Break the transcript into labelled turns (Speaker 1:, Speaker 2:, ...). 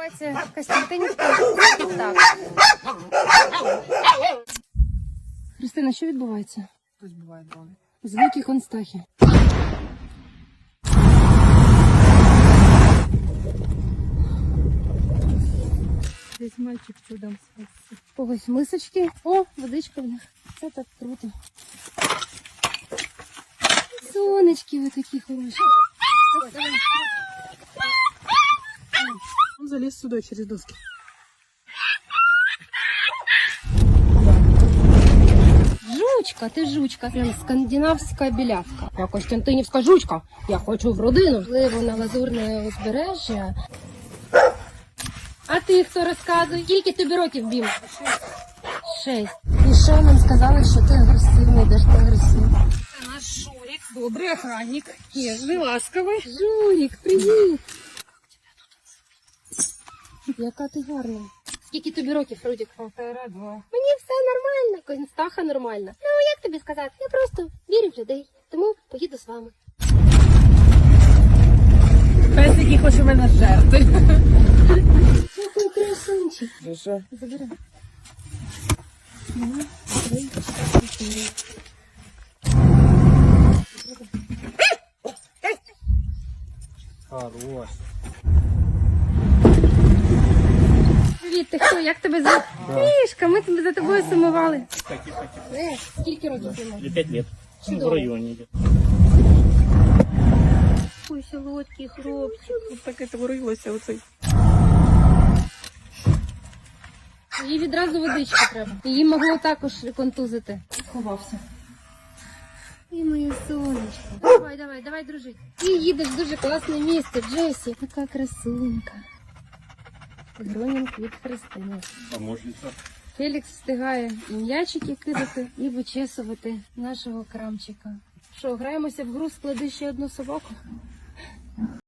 Speaker 1: Називається Костянтинівка. Так. Христина, що відбувається?
Speaker 2: Хтось буває дрони.
Speaker 1: Звуки Констахи.
Speaker 2: Десь мальчик чудом спасся.
Speaker 1: Когось мисочки. О, водичка в них. Це так круто. Сонечки ви такі хороші.
Speaker 2: Он залез сюда через доски.
Speaker 1: Жучка, ти жучка. Прям скандинавська білявка. Я Костянтинівська жучка. Я хочу в родину. Можливо, на лазурне узбережжя. А ти хто розказує? Скільки тобі років, Бім? 6. І ще нам сказали, що ти агресивний, де ж ти агресивний.
Speaker 2: Це наш Шурик, добрий охранник, ніжний, ласковий.
Speaker 1: Журік, привіт! Яка ти гарна. Скільки тобі років, Рудік?
Speaker 2: 1,5.
Speaker 1: Мені все нормально, Констаха нормальна. Ну, як тобі сказати? Я просто вірю в людей, тому поїду з вами.
Speaker 2: Пес, який хоче мене жерти.
Speaker 1: Який красунчик.
Speaker 2: Що?
Speaker 1: Забери.
Speaker 3: Хорош.
Speaker 1: Привіт, ти хто? Як тебе звати? Мішка, ми тебе за тобою сумували. Скільки років ти маєш?
Speaker 3: 5 лет.
Speaker 1: Чудово.
Speaker 3: В районе идет.
Speaker 1: Ой, солодкий хлопчик.
Speaker 2: Тут так і творилося оцей.
Speaker 1: Їй відразу водички треба. Її могло також контузити. Ховався. І моє сонечко. Давай, дружить. Ти їдеш в дуже класне місце, Джесі. Така красунька. Гронінг від Христини.
Speaker 3: Помощница.
Speaker 1: Фелікс встигає і м'ячики кидати, і вичесувати нашого крамчика. Що, граємося в гру «Склади ще одну собаку»?